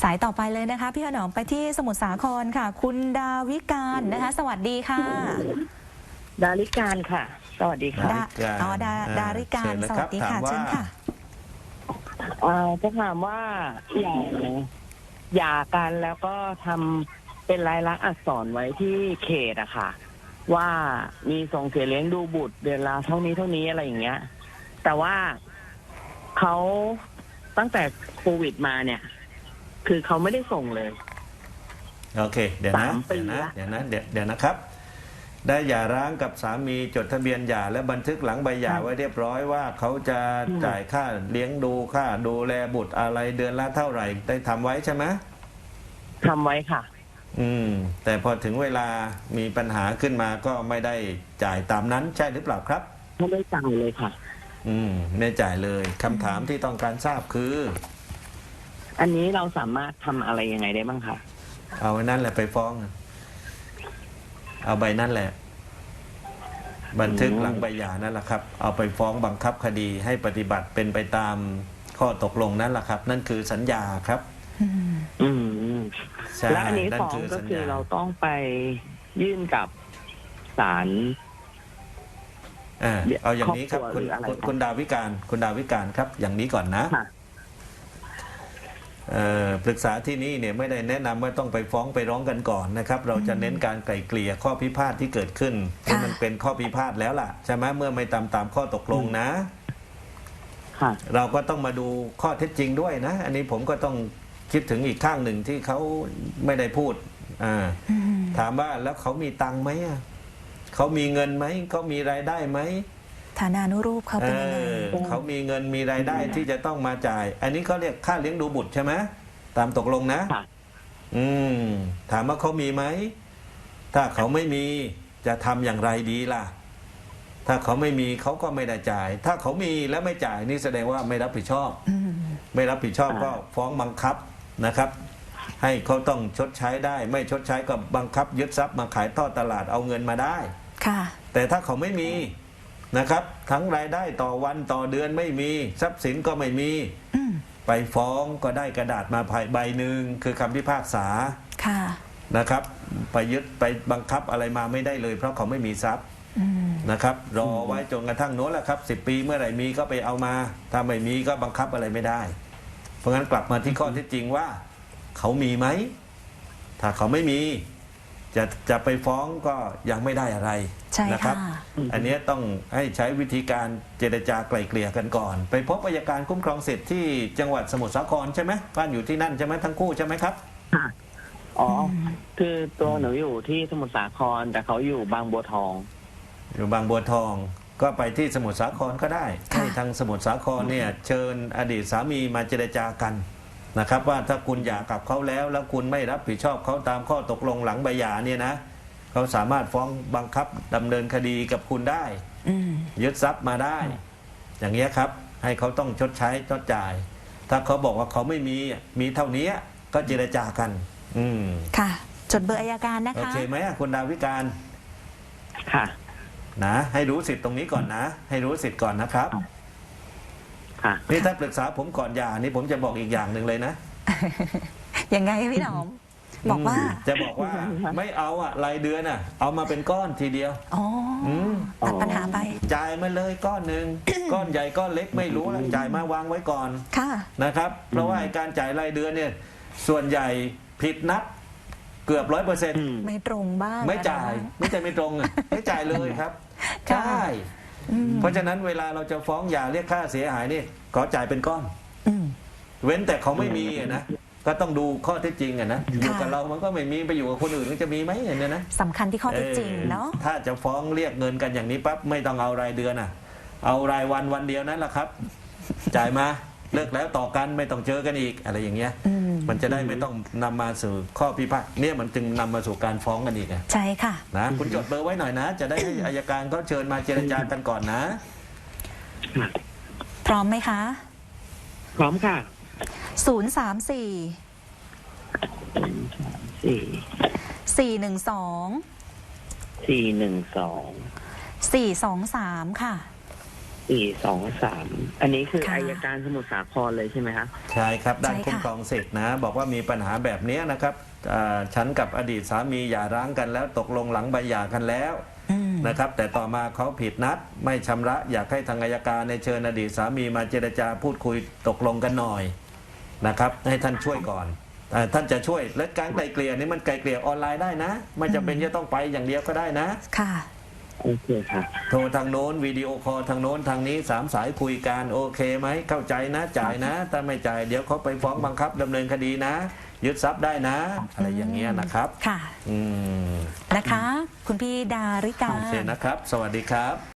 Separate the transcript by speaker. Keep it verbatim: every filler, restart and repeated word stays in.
Speaker 1: สายต่อไปเลยนะคะพี่ถนอมไปที่สมุทรสาครค่ะคุณดาวิการนะคะสวัสดีค่ะ
Speaker 2: ดาริการค่ะสวัสดีค่ะ
Speaker 1: อ๋อดาดาริการสวัสดีค่ะเชิญค่ะ
Speaker 2: จะถามว่าหย่าหย่ากันแล้วก็ทำเป็นลายลักษณ์อักษรไว้ที่เขตอะค่ะว่ามีส่งเสียเลี้ยงดูบุตรเดือนละเท่านี้เท่านี้อะไรอย่างเงี้ยแต่ว่าเขาตั้งแต่โควิดมาเนี่ยคือเขาไม่ได้ส่งเลย
Speaker 3: โอเคเดี๋ยวนะเดี๋ยวนะเดี๋ยวนะเดี๋ยวเดี๋ยวนะครับได้หย่าร้างกับสามีจดทะเบียนหย่าและบันทึกหลังใบหย่าไว้เรียบร้อยว่าเขาจะจ่ายค่าเลี้ยงดูค่าดูแลบุตรอะไรเดือนละเท่าไหร่ได้ทำไว้ใช่ไหม
Speaker 2: ทำไว้ค่ะ
Speaker 3: อืมแต่พอถึงเวลามีปัญหาขึ้นมาก็ไม่ได้จ่ายตามนั้นใช่หรือเปล่าครับ
Speaker 2: ไม่ได้จ่ายเลยค่ะ
Speaker 3: อืมไม่จ่ายเลยคำถามที่ต้องการทราบคือ
Speaker 2: อันนี้เราสามารถทำอะไรยังไงได้บ้างคะ
Speaker 3: เอาไว้นั่นแหละไปฟ้องเอาใบนั่นแหละบันทึกหลังใบหย่านั่นแหละครับเอาไปฟ้องบังคับคดีให้ปฏิบัติเป็นไปตามข้อตกลงนั่นแหละครับนั่นคือสัญญาครับ
Speaker 2: อืมและอันนี้ฟ้องก็คือเราต้องไปยื่นกับศาล
Speaker 3: เอาอย่างนี้ครับคุณคุณดาวิการคุณดาวิการครับอย่างนี้ก่อนนะปรึกษาที่นี่เนี่ยไม่ได้แนะนำว่าต้องไปฟ้องไปร้องกันก่อนนะครับเราจะเน้นการไกล่เกลี่ยข้อพิพาทที่เกิดขึ้นที่มันเป็นข้อพิพาทแล้วล่ะใช่ไหมเมื่อไม่ตามตามข้อตกลงนะเราก็ต้องมาดูข้อเท็จจริงด้วยนะอันนี้ผมก็ต้องคิดถึงอีกข้างหนึ่งที่เขาไม่ได้พูดถามว่าแล้วเขามีตังค์ไหมเขามีเงินไหมเขามีรายได้ไหม
Speaker 1: ฐานานุรูปเขาเป็นยังไง
Speaker 3: เขามีเงินมีรายได้ที่จะต้องมาจ่ายอันนี้เขาเรียกค่าเลี้ยงดูบุตรใช่ไหมตามตกลงนะอืมถามว่าเขามีไหมถ้าเขาไม่มีจะทำอย่างไรดีล่ะถ้าเขาไม่มีเขาก็ไม่ได้จ่ายถ้าเขามีแล้วไม่จ่ายนี่แสดงว่าไม่รับผิดชอบไม่รับผิดชอบก็ฟ้องบังคับนะครับให้เขาต้องชดใช้ได้ไม่ชดใช้ก็บังคับยึดทรัพย์มาขายทอดตลาดเอาเงินมาได้
Speaker 1: ค่ะ
Speaker 3: แต่ถ้าเขาไม่มีนะครับทั้งรายได้ต่อวันต่อเดือนไม่มีทรัพย์สินก็ไม่มีไปฟ้องก็ได้กระดาษมาใบหนึ่งคือคำพิพากษา
Speaker 1: ค่ะ
Speaker 3: นะครับไปยึดไปบังคับอะไรมาไม่ได้เลยเพราะเขาไม่มีทรัพย์นะครับรอไว้จนกระทั่งโน้นแหละครับสิบปีเมื่อไหร่มีก็ไปเอามาถ้าไม่มีก็บังคับอะไรไม่ได้เพราะงั้นกลับมาที่ข้อเท็จจริงว่าเขามีไหมถ้าเขาไม่มีจะจะไปฟ้องก็ยังไม่ได้อะไรนะครับอันนี้ต้องให้ใช้วิธีการเจรจาไกล่เกลี่ยกันก่อนไปพบอัยการคุ้มครองสิทธิ์ที่จังหวัดสมุทรสาครใช่ไหมบ้านอยู่ที่นั่นใช่ไหมทั้งคู่ใช่ไหมครับ
Speaker 2: อ๋อคือตัวหนูอยู่ที่สมุทรสาครแต่เขาอยู่บางบัวทอง
Speaker 3: อยู่บางบัวทองก็ไปที่สมุทรสาครก็ได้ให้ทางสมุทรสาครเนี่ยเชิญอดีตสามีมาเจรจากันนะครับว่าถ้าคุณหย่ากับเขาแล้วแล้วคุณไม่รับผิดชอบเขาตามข้อตกลงหลังใบหย่าเนี่ยนะเขาสามารถฟ้องบังคับดำเนินคดีกับคุณได้ยึดทรัพย์มาได้อย่างเงี้ยครับให้เขาต้องชดใช้ชดจ่ายถ้าเขาบอกว่าเขาไม่มีมีเท่านี้ก็เจรจากันอืม
Speaker 1: ค่ะจดเบอร์อัยการนะคะโอ
Speaker 3: เคไหมคุณดาวิการ
Speaker 2: ค่ะ
Speaker 3: นะให้รู้สิทธิ์ตรงนี้ก่อนนะให้รู้สิทธิ์ก่อนนะครับนี่ถ้าปรึกษาผมก่อนหย่านี่ผมจะบอกอีกอย่างหนึ่งเลยนะ
Speaker 1: ยังไงพี่หนอมบอกว่า
Speaker 3: จะบอกว่าไม่เอาอะรายเดือนอะเอามาเป็นก้อนทีเดียว
Speaker 1: อ๋อตัดปัญหาไป
Speaker 3: จ่ายมาเลยก้อนหนึ่งก้อนใหญ่ก้อนเล็กไม่รู้แล้วจ่ายมาวางไว้ก่อน
Speaker 1: ค่ะ
Speaker 3: นะครับเพราะว่าการจ่ายรายเดือนเนี่ยส่วนใหญ่ผิดนัดเกือบร้อยเปอร์เซ็นต์
Speaker 1: ไม่ตรงบ้าง
Speaker 3: ไม่จ่ายไม่จ่ายไม่ตรงอะไม่จ่ายเลยครับใช่เพราะฉะนั้นเวลาเราจะฟ้องหย่าเรียกค่าเสียหายนี่ขอจ่ายเป็นก้อนเว้นแต่เขาไม่มีนะก็ต้องดูข้อเท็จจริงอะนะอยู่กับเรามันก็ไม่มีไปอยู่กับคนอื่นก็จะมีไหมเนี่ยนะ
Speaker 1: สำคัญที่ข้อเท็จจริงเนาะ
Speaker 3: ถ้าจะฟ้องเรียกเงินกันอย่างนี้ปั๊บไม่ต้องเอารายเดือนอ่ะเอารายวันวันเดียวนั้นแหละครับจ่ายมาเลิกแล้วต่อกันไม่ต้องเจอกันอีกอะไรอย่างเงี้ยมันจะได้ไม่ต้องนำมาสู่ข้อพิพาทเนี่ยมันจึงนำมาสู่การฟ้องกันอีก
Speaker 1: ใช่ค่ะ
Speaker 3: นะคุณจดเบอร์ไว้หน่อยนะจะได้ให้อัยการเขาเชิญมาเจรจากันก่อนนะ
Speaker 1: พร้อมไหมคะ
Speaker 2: พร้อมค่ะ
Speaker 1: ศูนย์สามสี่
Speaker 2: สี่
Speaker 1: สี่หนึ่งสอง
Speaker 2: สี่หนึ่งสอง
Speaker 1: สี่สองสามค่ะ
Speaker 2: สี่สองสามอันนี้คือ
Speaker 1: ค่ะ
Speaker 2: อายการสมุทรสาครเลยใช่ไหมคะ
Speaker 3: ใช่ครับด้าน
Speaker 1: ใช่ค่ะ
Speaker 3: คุ้มครองสิทธินะ บอกว่ามีปัญหาแบบนี้นะครับอ่าฉันกับอดีตสามีหย่าร้างกันแล้วตกลงหลังใบหย่ากันแล้ว
Speaker 1: อืม
Speaker 3: นะครับ แต่ต่อมาเขาผิดนัดไม่ชำระอยากให้ทางอัยการในเชิญอดีตสามีมาเจรจาพูดคุยตกลงกันหน่อยนะครับ ให้ท่านช่วยก่อนอ่าท่านจะช่วยและการไกลเกลี่ยนี่มันไกลเกลี่ยออนไลน์ได้นะ ไม่จำเป็นจะต้องไปอย่างเดียวก็ได้นะ
Speaker 1: ค่ะ
Speaker 2: โอเคค่ะ
Speaker 3: โทรทางโน้นวิดีโอคอลทางโน้นทางนี้สามสายคุยกันโอเคไหมเข้าใจนะจ่ายนะถ้าไม่จ่ายเดี๋ยวเขาไปฟ้องบังคับดำเนินคดีนะ ยึดทรัพย์ได้นะ อะไรอย่างเงี้ยนะครับ
Speaker 1: ค่ะ
Speaker 3: อืม
Speaker 1: นะคะ คุณพี่ดาริกา
Speaker 3: โอเคนะครับ สวัสดีครับ